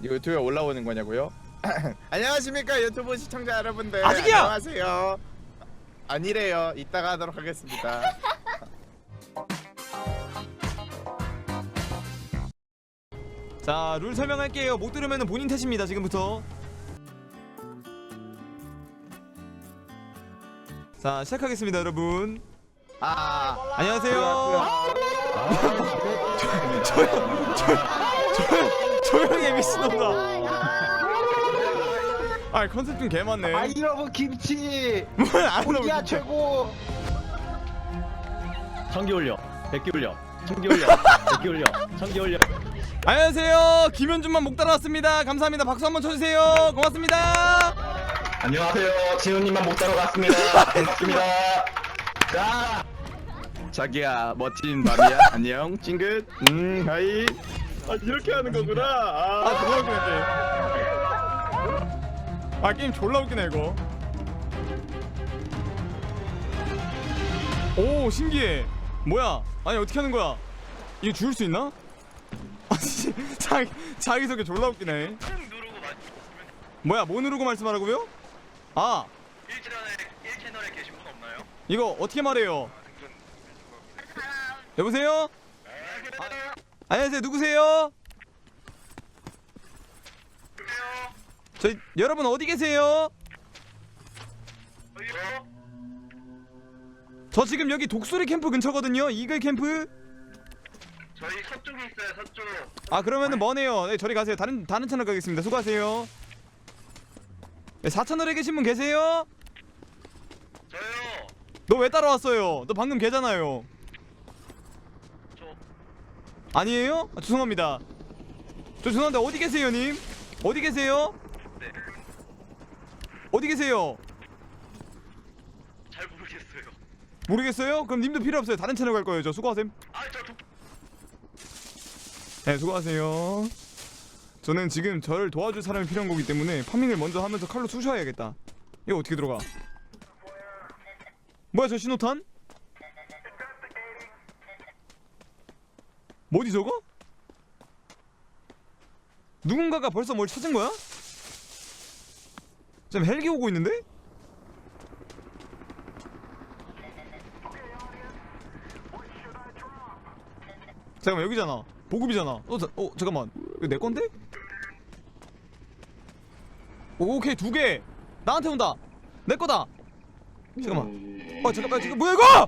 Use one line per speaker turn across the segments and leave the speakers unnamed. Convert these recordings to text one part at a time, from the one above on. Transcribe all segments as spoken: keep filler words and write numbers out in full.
유튜브에 올라오는 거냐고요? 안녕하십니까 유튜브 시청자 여러분들.
아직이야!
안녕하세요. 아니래요. 이따가 하도록 하겠습니다.
자, 룰 설명할게요. 못 들으면 본인 탓입니다. 지금부터. 자, 시작하겠습니다, 여러분.
아,
안녕하세요. 조용, 조용, 조용, 조용해 미친놈아. 아, 컨셉 좀 개맞네.
아이러브 김치
뭘안
우리야
나오지?
최고.
천개 올려, 백개 올려, 천개 올려, 백개 올려, 천개 올려.
안녕하세요. 김현준만 목 따라왔습니다. 감사합니다. 박수 한번 쳐주세요. 고맙습니다.
안녕하세요, 진우님만 못 따러 갔습니다. 반갑습니다. 자,
자기야 멋진 밤이야. 안녕 찡긋. 음 하이.
아, 이렇게 하는 거구나. 아, 아 졸라 웃기네 게임. 아, 게임 졸라 웃기네 이거. 오, 신기해. 뭐야? 아니, 어떻게 하는 거야? 이거 죽을 수 있나? 아, 씨, 자기 자기소개 졸라 웃기네. 뭐야? 뭐 누르고 말씀하라고요? 아,
일 채널에 일 채널에 계신 분 없나요?
이거 어떻게 말해요? 여보세요? 아, 안녕하세요. 누구세요? 저희 여러분 어디 계세요? 저 지금 여기 독수리 캠프 근처거든요. 이글 캠프.
저희 서쪽에 있어요, 서쪽.
아, 그러면은 머네요. 네, 저리 가세요. 다른 다른 채널 가겠습니다. 수고하세요. 네, 사 채널에 계신 분 계세요?
저요.
너 왜 따라왔어요? 너 방금 걔잖아요.
저
아니에요? 아, 죄송합니다. 저 죄송한데 어디 계세요, 님? 어디 계세요?
네.
어디 계세요?
잘 모르겠어요.
모르겠어요? 그럼 님도 필요 없어요. 다른 채널 갈 거예요. 저 수고하셈.
아, 저 독...
네, 수고하세요. 저는 지금 저를 도와줄 사람이 필요한 거기 때문에 파밍을 먼저 하면서 칼로 쑤셔야겠다. 이거 어떻게 들어가? 뭐야, 저 신호탄? 뭐지 저거? 누군가가 벌써 뭘 찾은 거야? 지금 헬기 오고 있는데? 잠깐만, 여기잖아. 보급이잖아. 어, 자, 어 잠깐만. 이거 내 건데? 오, 오케이, 두 개. 나한테 온다. 내 거다. 잠깐만. 어, 잠깐만, 지금 뭐야 이거?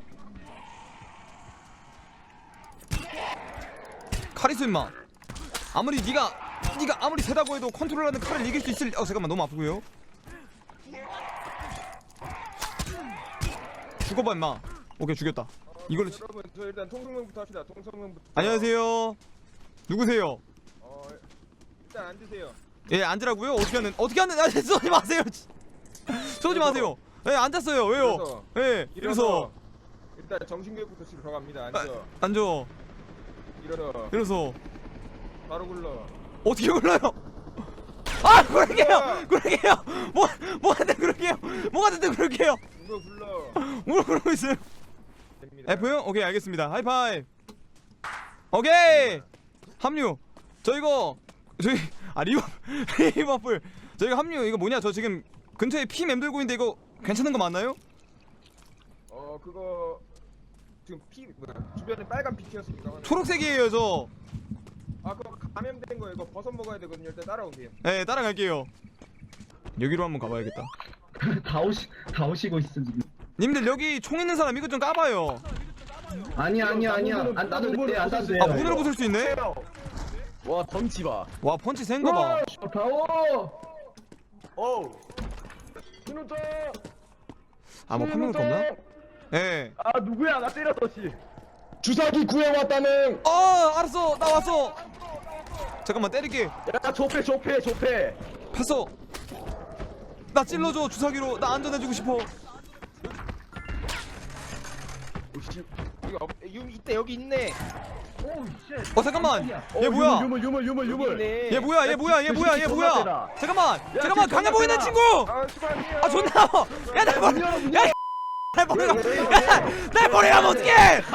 칼 있어 임마. 아무리 네가 네가 아무리 세다고 해도 컨트롤하는 칼을 이길 수 있을. 어, 잠깐만, 너무 아프고요. 죽어봐 임마. 오케이, 죽였다. 이걸로. 치...
여러분 저 일단 통성명부터 합시다. 통성명부터.
안녕하세요. 누구세요?
어 일단 앉으세요.
예, 앉으라고요? 어떻게 하는? 어떻게 하는? 아, 쏘지 마세요. 쏘지 마세요. 예, 앉았어요. 왜요? 예, 이래서
일단 정신교육부터 지금 들어갑니다. 앉아.
아, 앉아.
일어나.
이래서
바로 굴러.
어떻게 올라요? 아, 그러게요. 그러게요. 뭐 뭐한테 그러게요. 뭐가 됐든 그러게요.
이거 굴러.
뭘 그러고 있어요?
됩니다.
F요? 오케이, 알겠습니다. 하이파이브. 오케이. 합류. 저 이거 저희 아 리버 리버풀. 저희가 합류. 이거 뭐냐? 저 지금 근처에 피 맴돌고 있는데 이거 괜찮은 거 맞나요?
어 그거 지금 피 뭐야? 주변에 빨간 피 튀었습니다.
초록색이에요, 저.
아 그거 감염된 거 이거 버섯 먹어야 되거든요. 일단 따라오세요.
네, 따라갈게요. 여기로 한번 가봐야겠다.
다 오시 다 오시고 있어 지금.
님들 여기 총 있는 사람 이거 좀 까봐요.
아니야 아니야 아니야. 안 따도 돼. 안 따도 돼.
아, 문으로 부술 수 있네?
와 덩치 봐.
와, 펀치 센거 봐.
다워.
어우. 신호자.
아, 뭐 판명을 없나? 예.
아 누구야? 나 때렸어 씨.
주사기 구해왔다는.
어, 알았어. 나 왔어. 잠깐만, 때릴게.
야 조패 조패 조패.
팠어. 나 찔러줘, 주사기로. 나 안전해주고 싶어.
이거 없- 유 이때 여기 있네.
어, 잠깐만. 얘 뭐야?
유물 유물 유물 유물.
얘 뭐야? 얘 뭐야? 얘 뭐야? 얘 뭐야? 잠깐만. 잠깐만, 강해 보이는 친구.
아 수고하세요.
아, 존나. 야, 날 버려. 야, 날 버려. 야, 날 버리면 어떡해?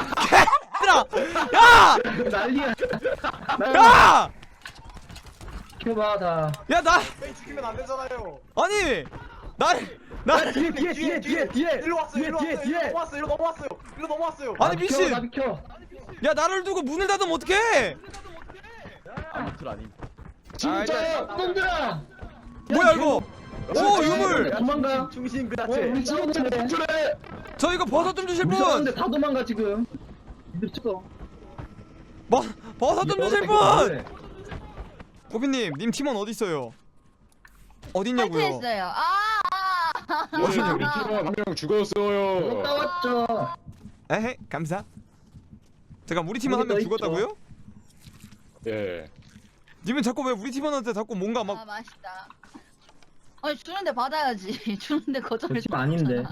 얘들아. 야!
난리야.
야!
지켜봐 다.
야 나
뺑 지키면 안 되잖아요.
아니 나나
뒤에 뒤에 뒤에 뒤에 뒤에
일로 왔어요. 일로
뒤에
왔어요.
뒤에
일로 넘어왔어요. 일로 넘어왔어요. 일로 넘어왔어요.
아니
나 비켜,
미친
나 비켜.
야 나를 두고 문을 닫으면 어떡해
아무튼 아닌.
진짜
놈들아.
뭐야 이거 오 유물
도망가.
중심 그
어,
자체
우리 친구들네.
그래
저 이거 버섯 좀 주실
우리
분
사람들 다 도망가 지금. 미쳤어.
버, 버섯 좀 주실 분
뭐래?
꼬피님 님 팀원 어디 있어요 어딨냐고요
탈퇴했어요. 아, 아, 아.
우리 팀원 한 명 죽었어요.
갔다 왔죠.
에헤 감사 잠깐 우리 팀원 한 명
여기 더
죽었다고요?
예.
님은 자꾸 왜 우리 팀원한테 자꾸 뭔가
아
막
맛있다. 아니 주는데 받아야지. 주는데 거절해.
저 팀 아닌데.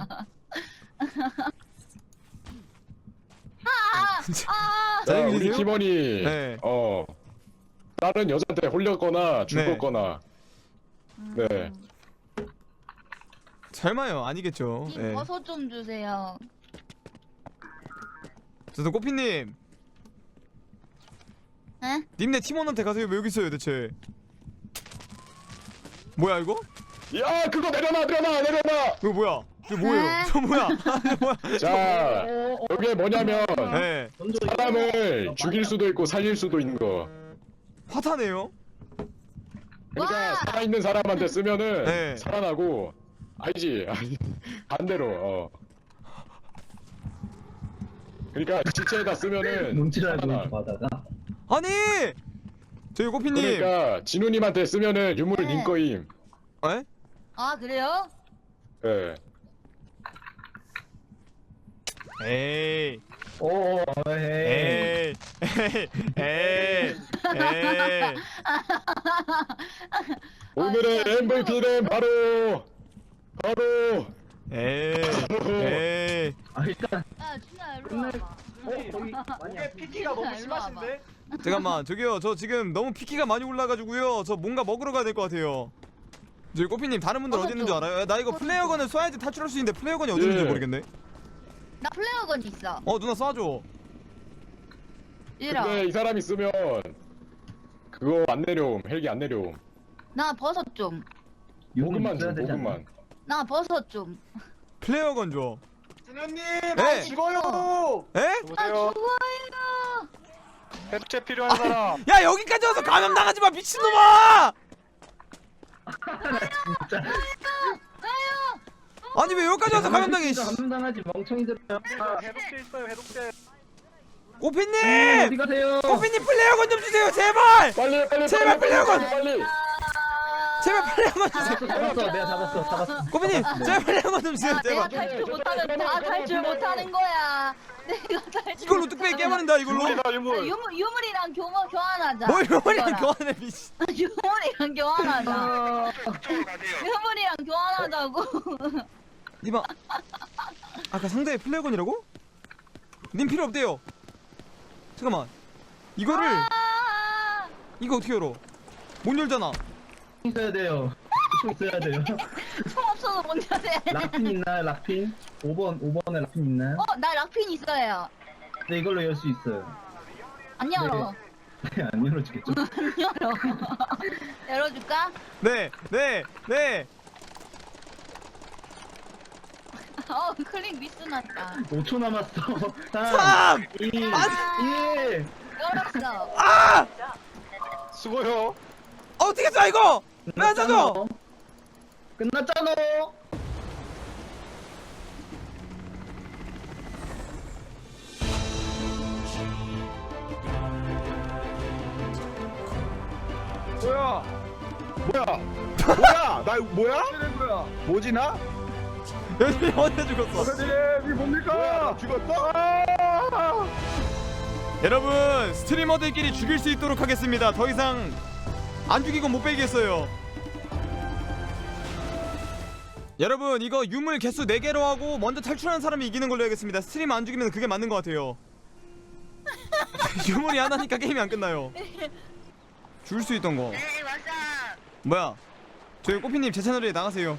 아,
진짜.
아,
자,
사장님
우리
계세요?
팀원이
네.
어 다른 여자한테 홀렸거나 죽었거나 네.
설마요 아니겠죠
님
예.
버섯 좀 주세요.
저도 꼬피님
에?
님네 팀원한테 가세요 왜 여기 있어요 대체 뭐야 이거?
야 그거 내려놔 내려놔 내려놔.
이거 뭐야 이거 뭐예요
에?
저 뭐야 이거 뭐야
자 여기에 뭐냐면
예
사람을 죽일 수도 있고 살릴 수도 있는 거.
화타네요
그러니까
와!
살아있는 사람한테 쓰면은
네.
살아나고 아니지 아니, 반대로 어. 그러니까 지체에다 쓰면은
눈치라고
살아나.
받아가.
아니 저희 꼬피님
그러니까 진우님한테 쓰면은 유물
네.
님 거임.
에?
아 그래요?
예.
에이
오, 에이.
에이 에이 에이 에이
오늘의
진짜
엠브이피는 바로 바로
에이 에이
아 일단
아 준아 일로 와봐.
어 거기
이게 피티가 너무 심하신데?
잠깐만 저기요 저 지금 너무 피키가 많이 올라가지고요 저 뭔가 먹으러 가야 될 것 같아요 저기 꼬피님 다른 분들 어디 있는 줄 알아요? 야, 나 이거 플레이어건을 쏴야지 탈출할 수 있는데 플레이어건이 어디 있는지
예.
모르겠네
나 플레어건 있어.
어 누나 쏴줘
이라.
근데 이 사람 있으면 그거 안 내려옴 헬기 안 내려옴.
나 버섯 좀.
모금만
있어야
줘
되지 않나?
모금만.
나 버섯 좀.
플레이어건 줘
진우님,
네.
나 죽어요.
에?
아 죽어요.
해체 필요한 사람.
야 여기까지 와서 감염당하지 마 미친놈아
진짜.
아니 왜 여기까지 와서 감염당해 씨.
감염당하지 멍청이들.
해독제 있어요 해독제.
꼬피님
어디 가세요?
꼬피님 플레이어건 좀 주세요 제발
빨리 빨리
제발
빨리
빨리
빨리 빨리.
제발 플레이어건 주세요
잡았어, 잡았어, 내가 잡았어, 잡았어.
꼬피님 제발 플레이어건 좀 주세요
야, 내가
제발
탈출 못하면 다 탈출 못하는 거야. 내가 탈출.
이걸로 뚝배기 깨버린다 이걸로
유물이다
아,
유물.
유물 유물이랑 교모 교환하자.
뭘 유물이랑
이거랑.
교환해 미씨
유물이랑 교환하자. 유물이랑 교환하자고.
니마 아까 상대의 플레이어건이라고? 님 필요 없대요 잠깐만 이거를
아,
이거 어떻게 열어 못 열잖아
있어야 돼요. 총 있어야 돼요.
총 없어서 못 여네.
락핀 있나요? 락핀? 오 번, 오 번에 락핀 있나요?
어, 나 락핀 있어요.
네, 이걸로 열 수 있어요.
안 열어.
네, 안 열어주겠죠?
안 열어. 열어줄까?
네네네
어, 클릭 미스 났다.
오 초 남았어.
삼!
이, 일.
열었어.
아!
수고요.
어떻게 쏴 이거 왜 안 쏴줘
끝났잖아.
뭐야? 뭐야? 뭐야? 나 뭐야?
뭐야?
뭐지 나?
여기 언제 죽었어
선생님 이 뭡니까? 죽었어? 아!
여러분 스트리머들끼리 죽일 수 있도록 하겠습니다 더 이상 안 죽이고 못 빼겠어요 여러분 이거 유물 개수 네 개로 하고 먼저 탈출하는 사람이 이기는 걸로 해야겠습니다 스트리머 안 죽이면 그게 맞는 것 같아요 유물이 하나니까 게임이 안 끝나요 줄 수 있던 거
네, 맞아.
뭐야 저희 꼬피님 제 채널에 나가세요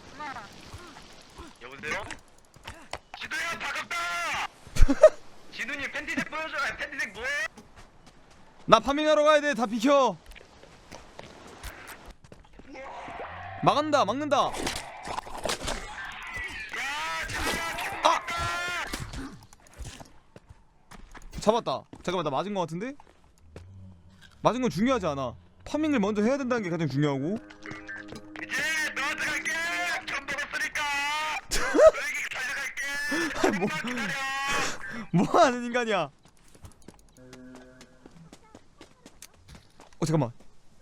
여보세요? 지도야 반갑다. 지도님 팬티색 보여줘. 팬티색 뭐해?
나 파밍하러 가야 돼 다 비켜 막는다 막는다. 아! 잡았다. 잠깐만 나 맞은 거 같은데? 맞은 건 중요하지 않아. 파밍을 먼저 해야 된다는 게 가장 중요하고.
이제 너한테 갈게. 전 먹었으니까. 너에게 가져갈게.
뭐,
기다려.
뭐 하는 인간이야? 어 잠깐만.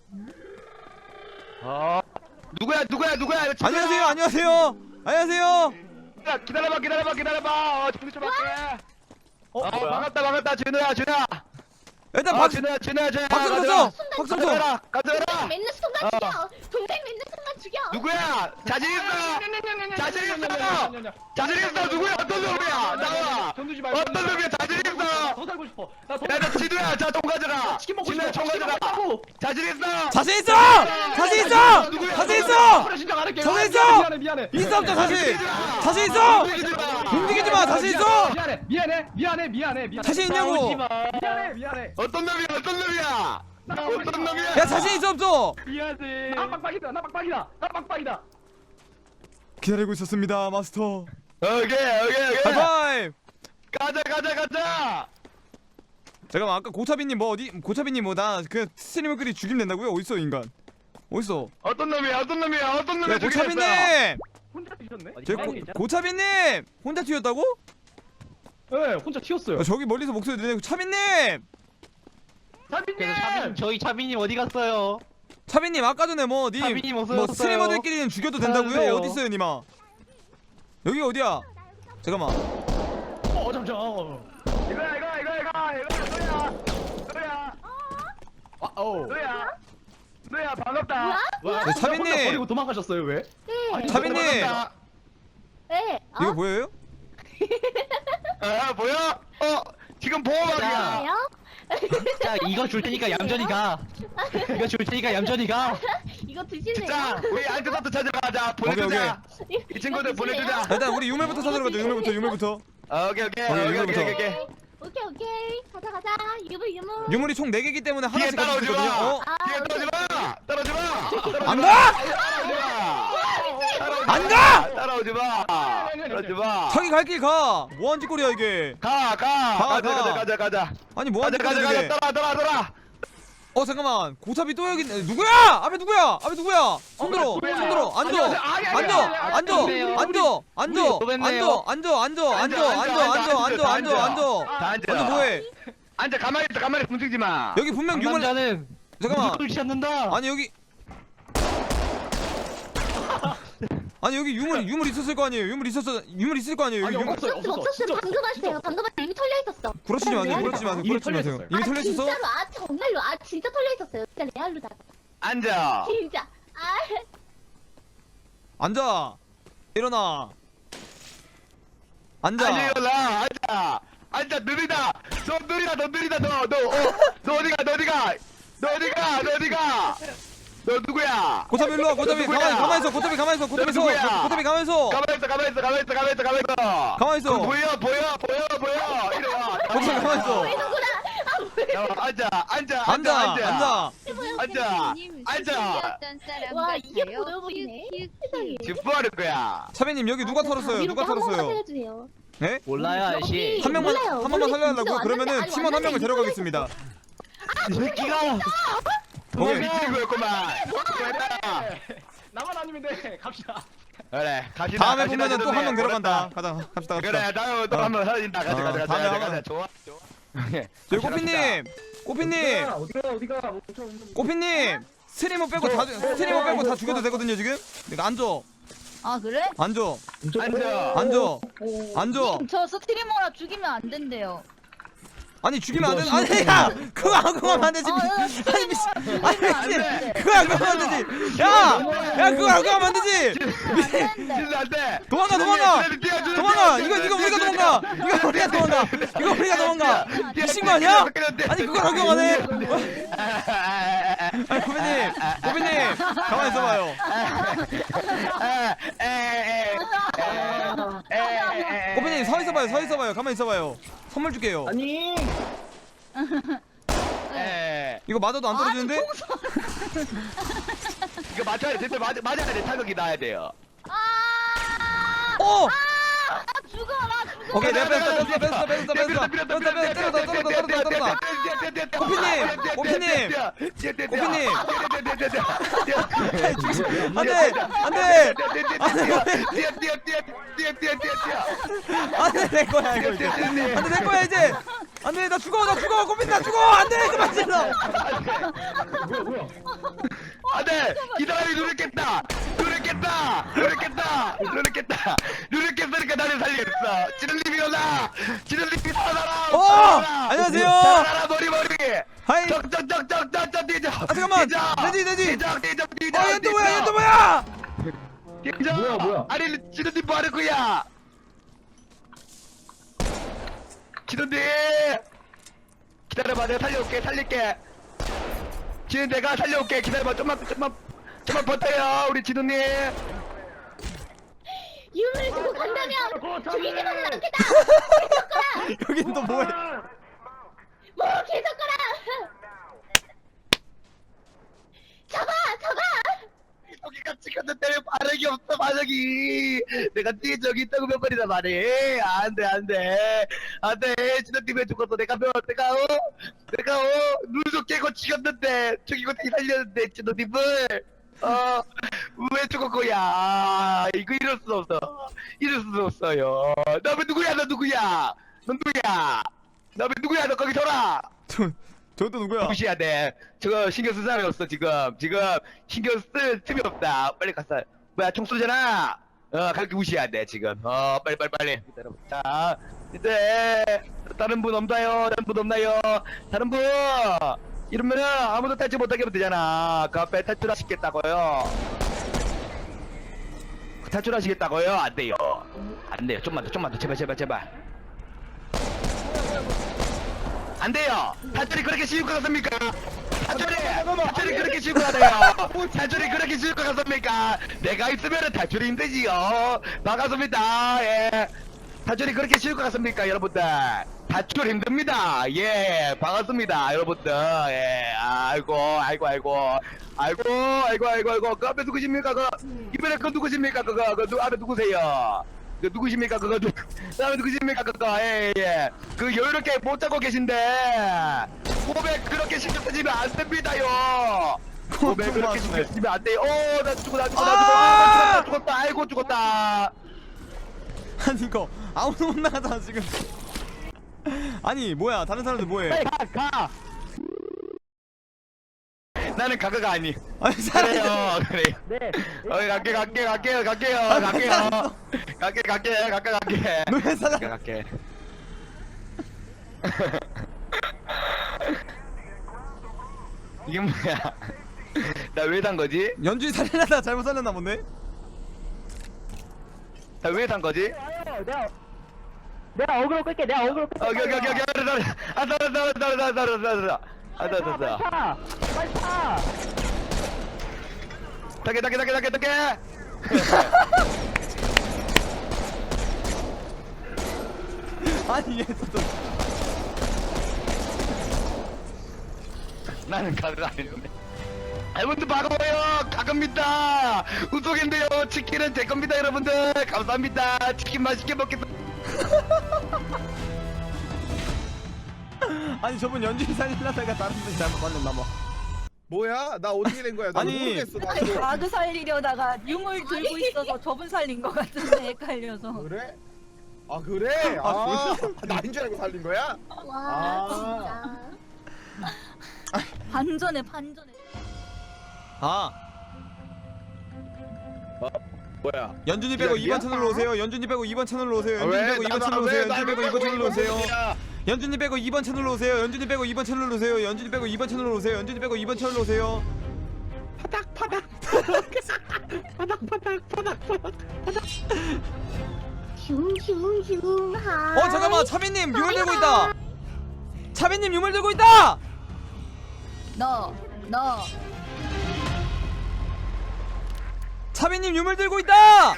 어. 누구야 누구야 누구야? 이거 친구야.
안녕하세요 안녕하세요 안녕하세요.
야, 기다려봐 기다려봐 기다려봐. 어 정리 좀 할게.
어,
어
뭐야?
반갑다 반갑다 진우야 진우야.
일단
어
박수
진우야 진우야 진우야.
박수
가져라.
쳤어. 박수 쳤어.
가져라 가져라.
맨날 순간
어.
죽여. 동생 맨날 순간 죽여.
누구야? 자신 있어. 자신 있어. 자신 있어. 누구야? 어떤 놈이야? 나와.
돈 주지 말고.
어떤 놈이야? 자신 있어.
더 살고 싶어. 나 더.
야, 너 진우야, 자, 총 가져라.
치킨 먹고
진우야,
싶어.
총
치킨
가져라.
먹자고.
자신 있어.
자신 있어. 자신 있어.
누구야?
자신 있어.
그래 진짜 안 할게.
자신
아,
있어!
미안해 미안해.
있어 없죠 자신. 자신 있어.
움직이지 마.
움직이지 마. 자신 있어.
미안해 미안해 미안해 미안해 미안해.
자신 있냐고.
미안해 미안해.
어떤 놈이야? 어떤 놈이야? 어떤 놈이야?
야 자신 있어 없어.
미안해. 나 빡빡이다 나 빡빡이다 나 빡빡이다.
기다리고 있었습니다 마스터.
오케이, 오케이, 오케이.
하이파이브.
가자, 가자, 가자.
잠깐만 아까 고차비님 뭐 어디 고차비님 뭐 나 그 스트리머끼리 죽이면 된다고요? 어딨어 인간? 어딨어?
어떤 놈이야? 어떤 놈이야? 어떤 놈이야?
야 고차비님!
혼자 뛰셨네?
저 고, 고차비님! 혼자 튀었다고?
네 혼자 튀었어요.
야, 저기 멀리서 목소리 들리네. 차비님!
차빈님.
차빈, 저희 차빈님 어디 갔어요?
차비님 아까 전에 뭐 님
차비님 어서
뭐
오세요.
스트리머들끼리는 죽여도 된다고요?
안녕하세요.
어딨어요 님아? 여기 어디야? 잠깐만.
어 잠시만. 어.
이거야, 이거야, 이거야, 이거야. 이거야, 너야.
아 어.
너야. 너야, 반갑다.
와,
네,
진짜
차빈님.
혼자 버리고 도망가셨어요 왜?
네.
차비님!
반갑다.
네. 어?
이거 보여요?
아, 보여? 어, 지금 보호막이야.
뭐예요?
자, 이거 줄 테니까 얌전히 가. 이거 줄 테니까 얌전히 가.
이거 드실래요?
진짜 우리 안드서트 찾으러 가자. 보내주자. 이 친구들 보내주자.
일단 우리 유물부터 찾으러 가자. 유물부터 유물부터.
어, 오케이 오케이
오케이,
오케이
이거부터.
오케이 오케이.
오케이 오케이. 가자 가자. 유물 유물.
유물이 총 네 개이기 때문에
뒤에
하나씩 가지고
따라오지
있거든요.
마.
어?
아,
뒤에 따라오지 마. 따라오지 마.
안 가! 안 가!
따라오지 마. 따라오지 마.
자기 갈 길 가! 뭐하는 짓거리야 이게.
가, 가.
가,
가자,
가.
가자, 가자, 가자.
아니
가자,
뭐하는
가자,
짓거리야
가자.
이게.
따라, 따라, 따라.
어 잠깐만 고차비 또 여기 있네. 누구야? 앞에 누구야? 앞에 누구야? 손들어
누구야?
손들어 앉아
안녕하세요. 아니, 아니,
앉아
아니, 아니,
앉아
아니,
앉아
우리, 우리,
앉아 앉아
또 뵀네요.
앉아 앉아 앉아 앉아 앉아 앉아 앉아 앉아
다
앉아
앉아.
앉아 뭐해?
앉아, 가만히 있어, 가만히 있어. 움직이지 마.
여기 분명 유물
남자는
잠깐만
누굴 찾는다.
아니 여기 아니 여기 유물 유물 있었을 거 아니에요? 유물 있었어 유물 있을 거 아니에요? 여기
아니,
유물
없었어요,
없었어
없었어.
없었어.
진짜
방금
없었어,
왔어요. 방금 왔어요. 이미 털려 있었어.
구라치지 마세요
레알로.
구라치지 마세요
이미
구라치지 마세요
털려
이미
아,
털려 있었어?
진짜로 아 정말로 아 진짜 털려 있었어요. 진짜 레알로다.
앉아.
진짜. 아
앉아 일어나 앉아
앉아, 일어나. 앉아. 앉아, 느리다. 너 느리다, 너 느리다, 너, 너, 어, 너 어디가, 너 어디가, 너 어디가, 너 어디가, 너 누구야?
고차비 일로 와 고차비
누구야?
가만히 가만히 있어 고차비 가만히 있어 고차비 있어
누구야?
고차비 가만히 있어
가만히 있어, 가만히 있어, 가만히 있어, 가만히 있어, 가만히 있어.
가만히 있어.
그거 보여, 보여, 보여, 보여. 이리 와.
고차비 가만히 있어
야, 앉아, 앉아,
앉아 앉아
앉아, 앉아, 앉아.
와 이게 보여보이네. 세상에.
지금 뭐 하는 거야?
차비님 여기 누가 털었어요 누가 털었어요
살려주세요.
네?
몰라요, 아저씨.
한 명만
몰라요.
한 번만
몰라요.
살려달라고요?
진짜
그러면은
왔는데,
팀원 한
아니,
명을
왔는데
데려가겠습니다.
이 새끼가.
너 미친구였구만.
나만 아니면 돼. 갑시다.
그래, 갑시다.
다음에
갑시다,
보면은 또 한 명
좋네.
데려간다. 가자, 갑시다, 갑시다.
그래, 다음에 또
어.
한 번 사라진다. 가자,
어,
가자, 가자,
다음에
가자,
한번.
가자. 좋아, 좋아.
저기 꼬피님, 꼬피님,
어디가 어디가
꼬피님. 스트리머 빼고 다 죽- 스트리머 빼고 다 죽여도 되거든요 지금. 내가 앉아,
아 그래?
앉아,
앉아.
앉아, 앉아.
저 스트리머라 죽이면 안 된대요.
아니 죽이면 안 돼. 아니 야, 그거 안 그거 하면 안 되지.
아,
아니 미친,
스트리머라
아니
죽이면 안
미친.
돼.
그거 안 그거 하면 안 되지. 야, 야 그거 안 그거 하면 안 되지.
안 된대.
진짜 안 돼.
도망가, 도망가.
뛰어, 뛰어, 뛰어,
도망가.
뛰어,
이거
뛰어,
이거
뛰어,
우리가
뛰어,
도망가.
뛰어,
이거 우리가 도망가. 이거 우리가 도망가. 미친 거 아니야? 아니 그걸 적용하네. 아니 고비님, 고비님 가만히 있어봐요. 고비님 서 있어봐요, 서 있어봐요. 가만히 있어봐요. 선물 줄게요.
아니
이거 맞아도 안 떨어지는데?
이거 맞춰야 돼. 제때 맞 맞아야 돼. 타격이 나야 돼요.
오!
나 죽어 나 죽어.
오케이 내가 뺐어 뺐어 뺐어 뺐어 뺐어 뺐어 뺐어 때렸다 때렸다 때렸다 때렸다 꼬피님 꼬피님 꼬피님 안돼 안돼 안돼 내 거야 이거 이제 안돼 내 거야 이제 안돼 나 죽어 나 죽어 꼬피 나 죽어 안돼 그만 질러
뭐야 뭐야
안돼 기다림이 누르겠다 누르겠다 누르겠다 누르겠다 누르겠으니까 나를 살리겠어 지름님이 일어나 지름님이 살아라
오!
살아라
안녕하세요.
살아라 머리머리
하이
쩍쩍쩍쩍쩍쩍 뛰죠
아 잠깐만 내지 내지
뛰죠 뛰죠 뛰죠
어 얘 또 뭐야 얘 또 뭐야
뛰죠
뭐야, 뭐야?
아니 지름님 뭐 하는 거야 지름님 기다려봐 내가 살려올게 살릴게 지금 내가 살려올게 기다려봐 좀만 좀만 좀만 버텨요 우리 지도님
유물을 주고 간다면 죽이지만 않겠다.
여긴 또 뭐해
뭐 계속 가라. 잡아 잡아.
여기가 찍혔는데 반응이 없어 반응이 내가 뒤에 저기 있다고 몇 번이나 말해 안돼 안돼 안돼 지도님에 죽었어 내가 몇 내가 어 내가 어 눈도 깨고 찍었는데 죽이고 다시 살렸는데 지도님을 어 왜 죽은 거야 이거 이럴 수 없어 이럴 수 없어요 너 왜 누구야 너 누구야 너 누구야 너 왜 누구야 너 거기 서라
저 저또 누구야
무시해야 돼 저거 신경 쓸 사람이 없어 지금 지금 신경 쓸 틈이 없다 빨리 갔어 뭐야 총 쏘잖아 어 그렇게 무시해야 돼 지금 어 빨리 빨리 빨리 기다려 자 이제 다른 분 없나요 다른 분 없나요 다른 분 이러면은 아무도 탈출 못하게 하면 되잖아 그 앞에 탈출하시겠다고요 탈출하시겠다고요 안 돼요 안 돼요 좀만 더 좀만 더 제발 제발 제발 안 돼요 탈출이 그렇게 쉬울 것 같습니까 탈출이 탈출이 그렇게 쉬울 것 같아요 탈출이 그렇게 쉬울 것 같습니까 내가 있으면은 탈출이 힘들지요 반갑습니다 예 탈출이 그렇게 쉬울 것 같습니까 여러분들 탈출 힘듭니다 예 반갑습니다 여러분들 예 아이고 아이고 아이고 아이고 아이고 아이고 아이고 그 앞에 누구십니까 그 이번에 그 누구십니까 그거 그 누, 앞에 누구세요 그 누구십니까 그거 누 그 앞에 누구십니까 그거 예예 그 여유롭게 못 자고 계신데 고백 그렇게 신경 쓰시면 안 됩니다요 고백 그렇게 신경 쓰시면 안 돼요 어나 죽어 나 죽어 나 죽어 아, 나 죽었다 아이고 죽었다
아니 이거 아무도 못 나가잖아 지금 아니 뭐야 다른 사람들 뭐해
빨리 가 가. 나는 가가가 아니.
아니
그래요
사람
그래요. 네. 어이 갈게 갈게 갈게요 갈게요 갈게요. 갈게 갈게 갈게 갈게.
너왜 사람
갈게 갈게. 이게 뭐야? 나 왜 산 거지?
연주이 살려다 잘못 살렸나 본데
나 왜 산 거지?
내가 어그로 끌게 내가 어그로 끌게
오케이 오케이 오케이 오케이. 아 따라 따라 따라 따라 따라 따라. 아 따라 따라.
타 빨리 타
타게 타게 타게 타게 타게.
아니 얘또
나는 가가 아닌데. 여러분들 반가워요. 가갑니다. 우속인데요. 치킨은 제 겁니다, 여러분들. 감사합니다. 치킨 맛있게 먹겠습니다.
아니 저분 연주이 살리려다가 다른 분 잘못 살렸나 봐
뭐야? 나 어떻게 된 거야? 나
아니.
모르겠어. 나도.
가드 살리려다가 유물 들고 있어서 저분 살린 것 같은데 헷갈려서.
그래? 아 그래? 아, 나인 줄 알고 살린 거야?
와
아.
진짜.
반전에 반전에.
아
뭐야?
연준이 빼고
기다리야?
이 번 채널로 오세요 연준이 빼고 이 번 채널로 오세요
아,
연준이
왜?
빼고 이 번
나도
채널로
왜?
오세요
나도
연준이 빼고 이 번 채널로 오세요 연준이 빼고 이 번 채널로 오세요 연준이 빼고 이 번 채널로 오세요 연준이 빼고 이 번 채널로 오세요 연준이 빼고 이 번 채널로 오세요
슝슝슝 하.
어 잠깐만 차비님 유물 들고 있다 차비님 유물 들고 있다
너, 너.
차비님 유물 들고 있다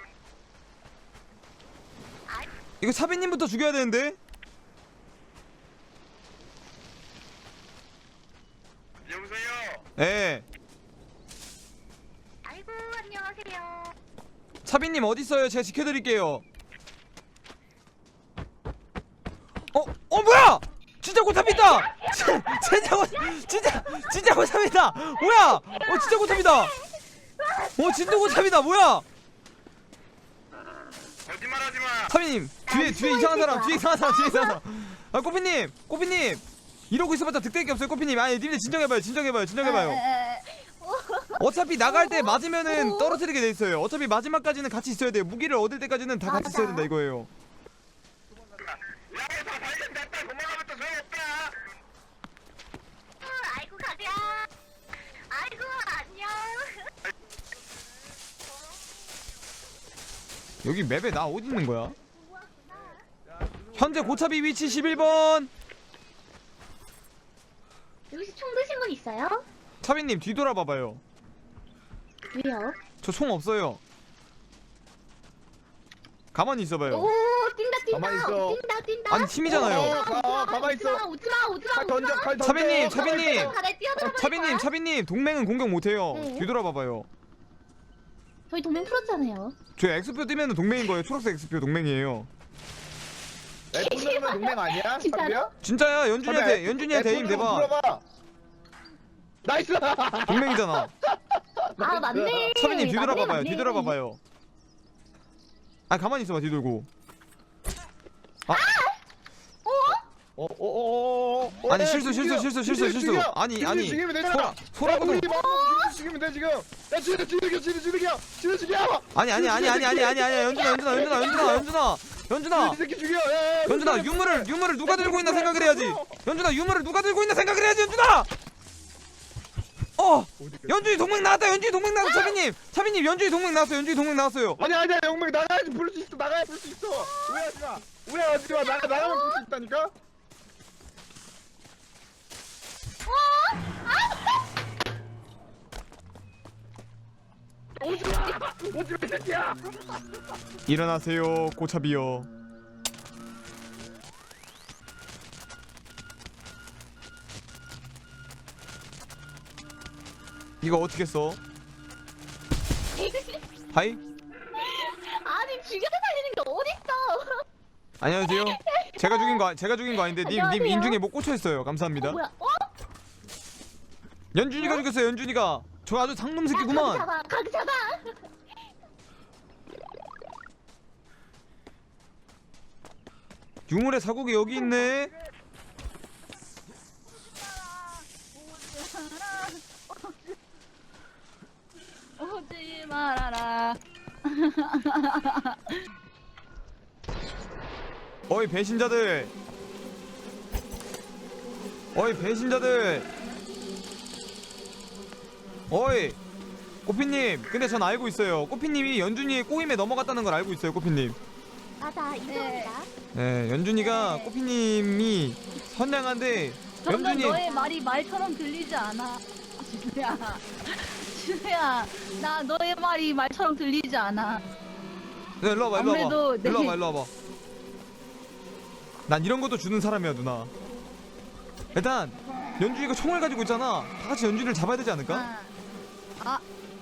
이거 차비님부터 죽여야 되는데
여보세요.
예 차비님 어디 있어요? 제가 지켜드릴게요. 어? 어 뭐야? 진짜 고탑이다. 진짜 고 진짜 진짜 고탑이다. 뭐야? 어 진짜 고탑이다. 어 진짜 고탑이다. 뭐야?
거짓말하지 마.
차비님 뒤에 뒤에 이상한 사람 뒤에 이상한 사람 뒤에 이상한 사람. 아 꼬피님 꼬피님 이러고 있어봤자 득될 게 없어요 꼬피님. 아니 님들 진정해봐요 진정해봐요 진정해봐요. 어차피 나갈 때 맞으면은 떨어뜨리게 돼 있어요. 어차피 마지막까지는 같이 있어야 돼요. 무기를 얻을 때까지는 다 같이 있어야 된다 이거예요.
야다 발견됐다. 도망가면 또 소용없다.
아이고 가자. 아이고 안녕.
여기 맵에 나 어디 있는 거야? 현재 고차비 위치 십일 번.
여기서 총 드신 분 있어요?
차비님 뒤돌아봐봐요.
왜요?
저 총 없어요. 가만히 있어봐요.
오 뛴다 뛴다.
가만히 있어.
뛴다 뛴다.
아니 팀이잖아요.
어, 가, 가만히 있어.
오지마 오지마
칼 던져, 칼 던져.
차비님 차비님
바다에 뛰어들어.
차비님 차비님 동맹은 공격 못해요.
네.
뒤돌아봐봐요.
저희 동맹 풀었잖아요.
저 X표 뜨면은 동맹인 거예요. 초록색 X표 동맹이에요.
애플은 동맹 아니야?
진짜로?
차비야?
진짜야. 연준이한테 연준이한테 에임 대봐.
풀어봐. 나이스.
동맹이잖아.
아 맞네.
차비님 뒤돌아봐봐요.
맞네, 맞네.
뒤돌아봐봐요. 아 가만히 있어봐 뒤돌고. 아
어어어어.
아니 실수 실수 실수 실수 실수. 아니 아니
죽이면
소라
되잖아.
소라고도
우리 막 죽이면 돼 지금. 야 죽여 죽여 죽여 죽여 죽여 죽여.
아니 아니 아니 아니 아니 아니 아니 연준아 연준아 연준아 연준아 연준아 연준아
이 새끼 죽여. 야, 야,
연준아 유물을 유물을 누가 들고 있나 생각을 해야지. 연준아 유물을 누가 들고 있나 생각을 해야지 연준아. 어 연준이 동맹 나왔다. 연준이 동맹 나왔어. 차비님 차비님 연준이 동맹 나왔어. 연준이 동맹 나왔어요.
아니 아니야 영맹 나가야지 부를 수 있어. 나가야 부를 수 있어. 오해하지 마. 오해하지 마. 나가 나가면 부를 수 있다니까. 오지 마. 오지 마 이 새끼야.
일어나세요 고차비요. 이거 어떻게 써? 하이?
아니 죽여서 살리는 게 어딨어?
안녕하세요. 제가 죽인 거 제가 죽인 거 아닌데 님 님
안녕하세요.
인중에 못 꽂혀 있어요. 감사합니다.
어, 뭐야? 어?
연준이가 죽였어요. 연준이가. 저 아주 상놈
가기
새끼구만.
잡아 가기 잡아.
유물의 자국이 여기 있네.
오지 말아라.
어이 배신자들. 어이 배신자들. 어이 꼬피님. 근데 전 알고 있어요. 꼬피님이 연준이의 꼬임에 넘어갔다는 걸 알고 있어요. 꼬피님.
맞아 인정이다.
네 연준이가 꼬피님이 선량한데
점점
연준이
너의 말이 말처럼 들리지 않아. 준우야, 준우야, 나 너의 말이 말처럼 들리지 않아.
네, 일로 와봐 일로 와봐
아무래도 내-
일로 와봐 일로 와봐. 난 이런 것도 주는 사람이야 누나. 일단 연준이가 총을 가지고 있잖아. 다 같이 연준이를 잡아야 되지 않을까?
아, 아,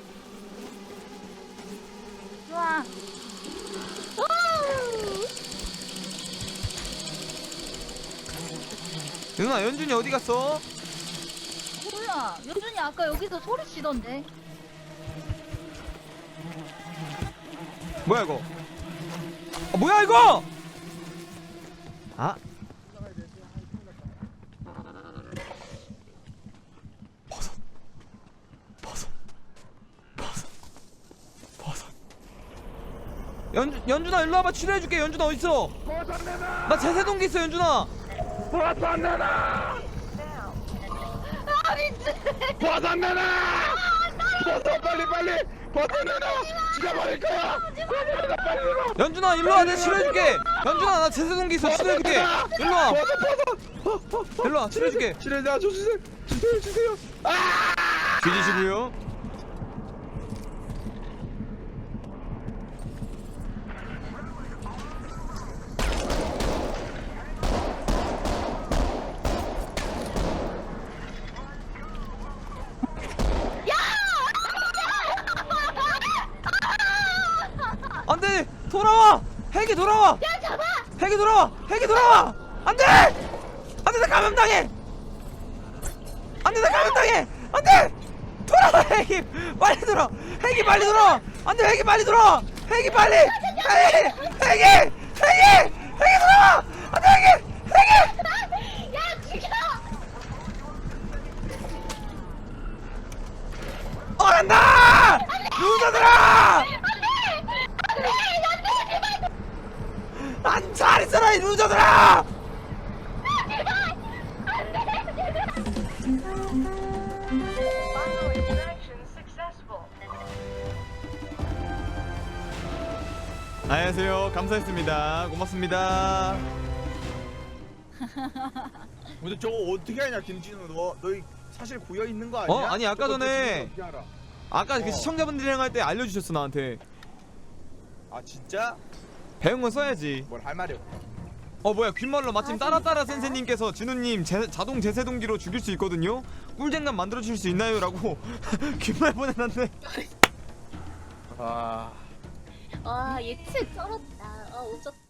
좋아.
누나 연준이 어디 갔어?
뭐야, 연준이 아까 여기서 소리 치던데.
뭐야 이거? 아, 뭐야 이거? 아 버섯 버섯 버섯 버섯 연 연준아 일로 와봐. 치료해줄게. 연준아 어디 있어? 나 제세동기 있어 연준아.
버섯 내놔.
아, 미친.
버섯 내놔. 버섯 빨리 빨리. 버섯 내놔. 죽여버릴 거야. 버섯 내놔 빨리 내놔.
연준아 일로 와. 내가 치료해줄게. 연준아 나 제세동기 있어. 치료해줄게. 일로 와.
버섯 버섯.
일로 와. 치료해줄게.
치료자 주세요. 주세요 주세요. 아!
뒤지시고요. 돌아와 핵이 돌아와
야 잡아.
핵이 돌아와 핵이 돌아와 안돼 안돼 나 감염당해 안돼 나 감염당해 안돼 돌아와 핵이 빨리 돌아 핵이 빨리 돌아 안돼 핵이 빨리 돌아 핵이 빨리 핵이 핵이 핵이 핵이 돌아 안돼 핵이 핵이
야 죽여.
어란다 루저들아 안 잘 있어라 이 루저들아 안녕하세요 감사했습니다 고맙습니다
근데 저거 어떻게 하냐 김진우 너 너희 사실 고여 있는 거 아니야?
어? 아니, 아까
저거
전에
어떻게 알아?
아까 그
어.
시청자분들이랑 할 때 알려주셨어 나한테
아 진짜?
배운 건 써야지
뭘 할 말이 없어.
어 뭐야 귓말로 마침 따라따라 센세님께서 진우님 제, 자동 제세동기로 죽일 수 있거든요 꿀잼감 만들어주실 수 있나요? 라고 귓말 보내놨네
아
와 예측 쩔었다. 아 오졌다.